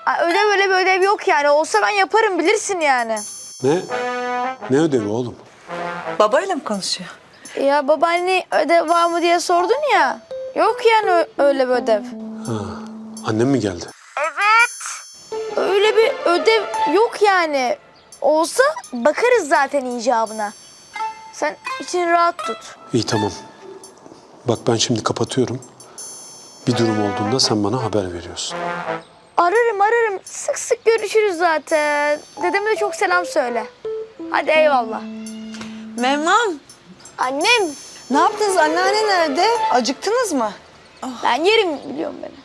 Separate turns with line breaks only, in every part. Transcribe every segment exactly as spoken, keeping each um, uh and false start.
Ay, ödev öyle bir ödev yok yani. Olsa ben yaparım bilirsin yani.
Ne? Ne ödevi oğlum?
Babayla mı konuşuyor?
Ya babaanne ödev var mı diye sordun ya. Yok yani ö- öyle bir ödev.
Ha, annem mi geldi?
Öyle bir ödev yok yani. Olsa bakarız zaten icabına. Sen için rahat tut.
İyi tamam. Bak ben şimdi kapatıyorum. Bir durum olduğunda sen bana haber veriyorsun.
Ararım ararım. Sık sık görüşürüz zaten. Dedeme de çok selam söyle. Hadi eyvallah.
Memnun.
Annem.
Ne yaptınız? Anneanne nerede? Acıktınız mı?
Ben yerim biliyorum beni.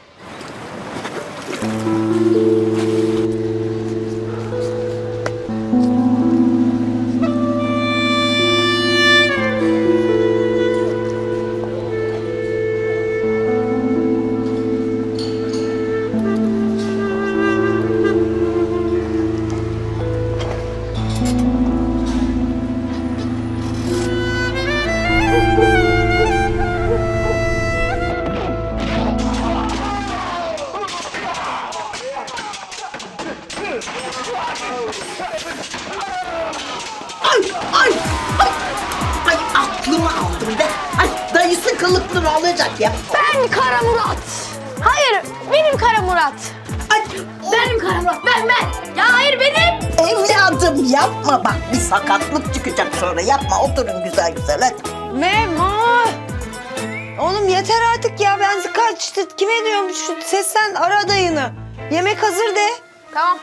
Ay, ay, ay, ay aklımı aldım be. Ay dayısı kılıklı alacak ya.
Ben Kara Murat. Hayır benim Kara Murat.
Ay,
Benim Kara Murat ben ben. Ya hayır benim.
evladım yapma bak bir sakatlık çıkacak sonra yapma oturun güzel güzel hadi.
Memnun. Oğlum yeter artık ya. Ben kaçtı. Kime diyorum şu sesten ara dayını. Yemek hazır de.
Tamam.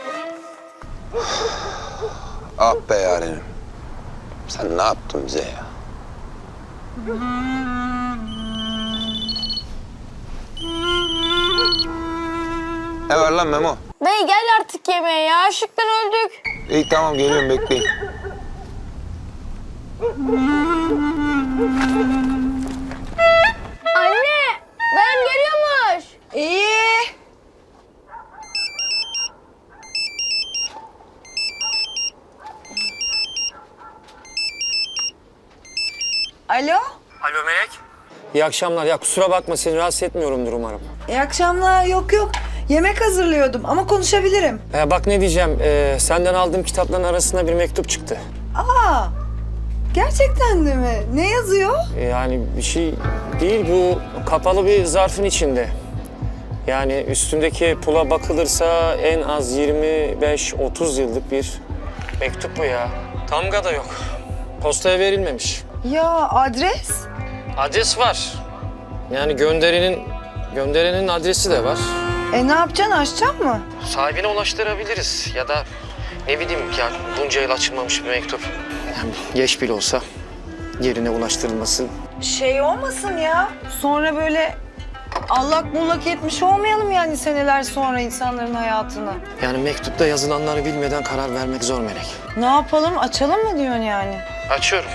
Ah be yarenim. Sen ne yaptın bize ya? Ne var lan Memo?
Dayı gel artık yemeğe ya. Açlıktan öldük.
İyi tamam geliyorum bekleyin.
Anne dayım geliyormuş.
İyi. Alo.
Alo Melek. İyi akşamlar. Ya kusura bakma seni rahatsız etmiyorumdur umarım.
İyi akşamlar. Yok yok. Yemek hazırlıyordum ama konuşabilirim.
Ee, bak ne diyeceğim. Ee, senden aldığım kitapların arasında bir mektup çıktı.
Aa. Gerçekten de mi? Ne yazıyor?
Ee, yani bir şey değil bu kapalı bir zarfın içinde. Yani üstündeki pula bakılırsa en az yirmi beş otuz yıllık bir mektup bu ya. Tamga da yok. Postaya verilmemiş.
Ya adres?
Adres var. Yani gönderinin gönderenin adresi de var.
E ne yapacaksın? Açacaksın mı?
Sahibine ulaştırabiliriz ya da ne bileyim ya bunca yıl açılmamış bir mektup. Yani geç bile olsa yerine ulaştırılması.
Şey olmasın ya. Sonra böyle allak bullak etmiş olmayalım yani seneler sonra insanların hayatına.
Yani mektupta yazılanları bilmeden karar vermek zor Melek.
Ne yapalım? Açalım mı diyorsun yani?
Açıyorum.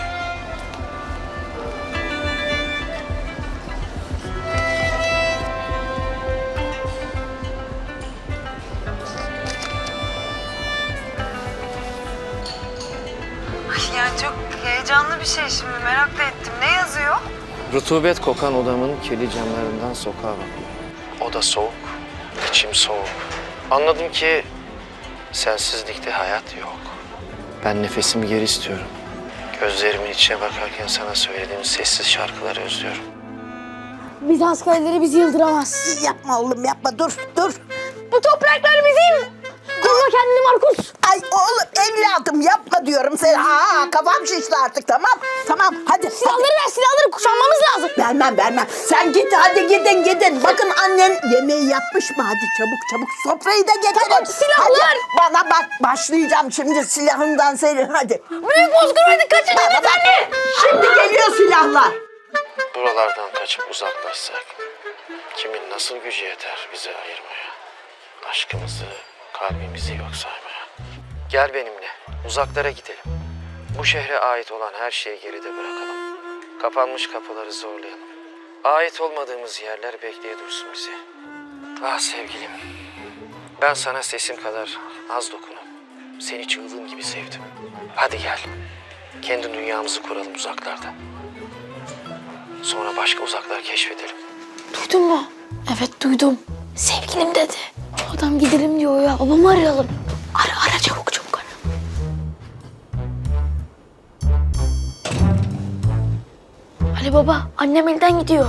Yani çok heyecanlı bir şey şimdi. Merak da ettim. Ne yazıyor?
Rutubet kokan odamın kirli camlarından sokağa bakıyorum. Oda soğuk, içim soğuk. Anladım ki sensizlikte hayat yok. Ben nefesimi geri istiyorum. Gözlerimin içine bakarken sana söylediğim sessiz şarkıları özlüyorum.
Biz askerleri bizi yıldıramaz.
Yapma oğlum yapma dur dur.
Bu topraklar bizim. Koruma kendini Markus.
Ay oğlum evladım yapma diyorum sen. Aa kafam şişti artık tamam. Tamam hadi.
Silahları ver silahları kuşanmamız lazım.
Vermem vermem. Sen git hadi gidin gidin. Bakın annen yemeği yapmış mı? Hadi çabuk çabuk sofrayı da getirin.
Tamam, silahlar.
Hadi, bana bak başlayacağım şimdi silahından senin hadi.
Büyük bozkırmaydı kaçın
Bana bak.
efendi.
Şimdi geliyor silahlar.
Buralardan kaçıp uzaklaşsak kimin nasıl gücü yeter bizi ayırmaya? Aşkımızı, kalbimizi yok saymaya. Gel benimle, uzaklara gidelim. Bu şehre ait olan her şeyi geride bırakalım. Kapanmış kapıları zorlayalım. Ait olmadığımız yerler bekleye dursun bizi. Ah sevgilim, ben sana sesim kadar az dokunup seni çığlığım gibi sevdim. Hadi gel, kendi dünyamızı kuralım uzaklarda. Sonra başka uzaklar keşfedelim.
Duydun mu? Evet duydum. Sevgilim dedi. Adam gidelim diyor ya. Babamı arayalım. Ara ara çabuk çabuk ara. Ali baba, annem elden gidiyor.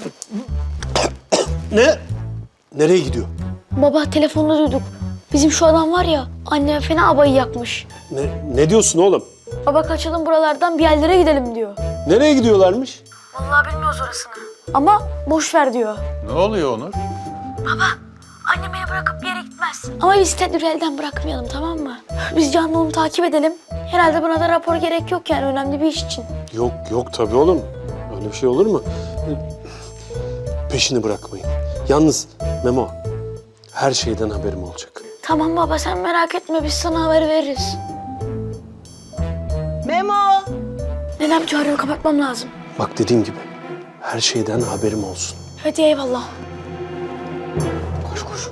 Ne? Nereye gidiyor?
Baba telefonda duyduk. Bizim şu adam var ya, annem fena abayı yakmış.
Ne, ne diyorsun oğlum?
Baba kaçalım buralardan bir yerlere gidelim diyor.
Nereye gidiyorlarmış?
Vallahi bilmiyoruz orasını. Ama boş ver diyor.
Ne oluyor Onur?
Annem beni bırakıp bir yere gitmez. Ama biz Tedbir'i elden bırakmayalım, tamam mı? Biz Can'la onu takip edelim. Herhalde buna da rapor gerek yok yani, önemli bir iş için.
Yok yok tabii oğlum. Öyle bir şey olur mu? Peşini bırakmayın. Yalnız Memo, her şeyden haberim olacak.
Tamam baba, sen merak etme, biz sana haber veririz.
Memo.
Nenem çağırıyor, kapatmam lazım.
Bak dediğim gibi, her şeyden haberim olsun.
Hadi eyvallah.
Koş koş.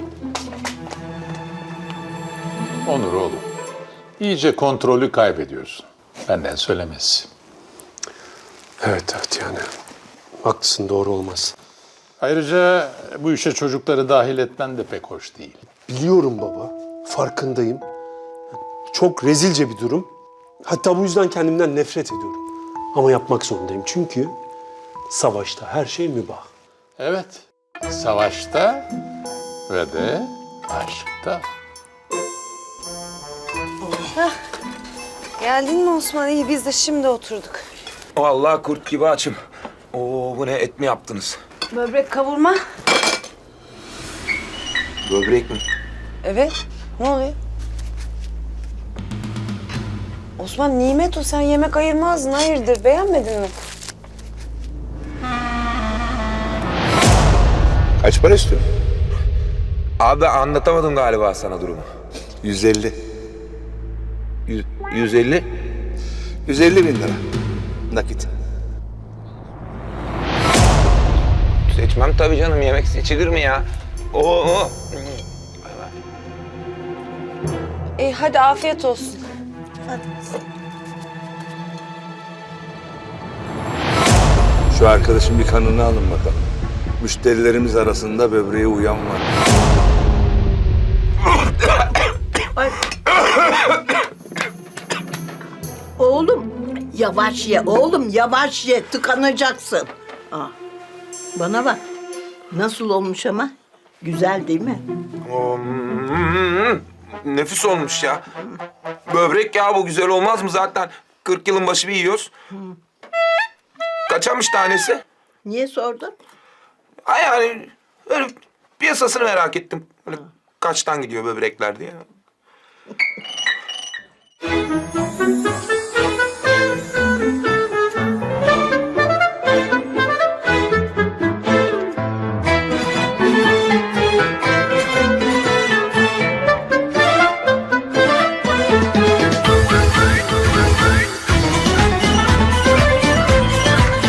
Onur oğlum. İyice kontrolü kaybediyorsun. Benden söylemesi.
Evet evet yani. Haklısın, doğru olmaz.
Ayrıca bu işe çocukları dahil etmen de pek hoş değil.
Biliyorum baba, farkındayım. Çok rezilce bir durum. Hatta bu yüzden kendimden nefret ediyorum. Ama yapmak zorundayım çünkü savaşta her şey mübah.
Evet, savaşta ve de aşkta.
Geldin mi Osman? İyi, biz de şimdi oturduk.
Vallahi kurt gibi açım. Oo bu ne, et mi yaptınız?
Böbrek kavurma.
Böbrek mi?
Evet. Ne oluyor? Osman, nimet o. Sen yemek ayırmazdın. Hayırdır? Beğenmedin mi?
Kaç para istiyorsun? Abi anlatamadım galiba sana durumu.
yüz elli.
Yüz, yüz elli.
yüz elli bin lira. Nakit.
Seçmem tabii canım. Yemek seçilir mi ya? Oo.
İyi, hadi afiyet olsun.
Şu arkadaşın bir kanını alın bakalım. Müşterilerimiz arasında böbreğe uyan var.
Oğlum yavaş ye oğlum yavaş ye tıkanacaksın. Aa, bana bak nasıl olmuş ama güzel değil mi?
Oo, mm, nefis olmuş ya. Böbrek ya, bu güzel olmaz mı zaten? kırk yılın başı bir yiyoruz. Kaçamış tanesi?
Niye sordun?
Ha yani öyle piyasasını merak ettim. Böyle kaçtan gidiyor böbrekler diye.